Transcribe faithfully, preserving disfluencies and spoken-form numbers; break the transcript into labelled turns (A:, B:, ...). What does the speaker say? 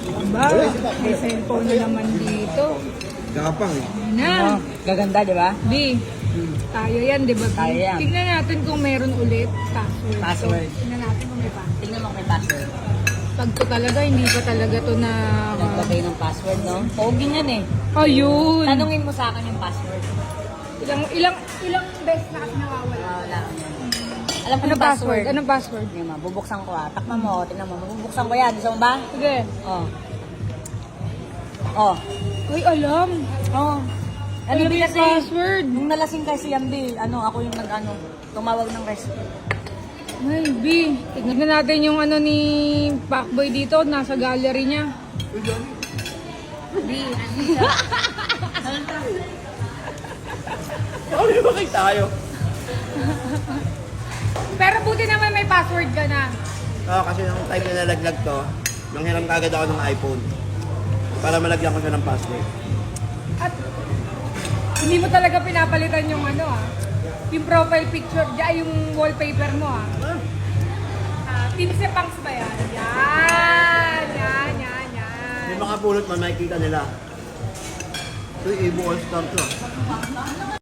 A: Ba, may cellphone na naman dito.
B: Gapang eh.
A: Na.
C: Gaganda, di ba?
A: B, tayo yan, di ba? B?
C: Tayo yan.
A: Tingnan natin kung meron ulit password.
C: Password.
A: So, tingnan natin kung may password.
C: Tingnan mo kung may password.
A: Pag to talaga, hindi pa talaga to na...
C: Naglagay ng password, no? Pogi yan eh.
A: Ayun.
C: Tanungin mo sa akin yung password.
A: Ilang, ilang, ilang beses na kasi nawawala.
C: Ah, wala. Alam ko
A: Ano
C: yung password.
A: password? Anong password?
C: Hindi ma, bubuksan ko ah. Takpan mo, tingnan mo. Bubuksan ko yan. Gusto mo ba?
A: Sige.
C: Oh. Oh.
A: Uy, alam.
C: Oh. Ano
A: Alam
C: ba
A: yung
C: kasi?
A: password.
C: Nung nalasing kasi yan, Bill, ano, ako yung nag-ano, tumawag ng rescue.
A: Ay, B. Tignan natin yung ano ni Pacboy dito. Nasa gallery niya.
C: B, ano siya?
B: Ano yung bakit tayo?
A: Pero buti naman may password ka na.
B: Oo, kasi nung time na nalaglag to, nanghiram kagad ako ng iPhone. Para malagyan ko siya ng password.
A: At hindi mo talaga pinapalitan yung ano ah. Yung profile picture, diyan yung wallpaper mo ah. Ah, Team Sepangs ba yan? Yan, yan, yan, yan.
B: May makapulot man, makikita nila. Ito yung Evo All-Star to.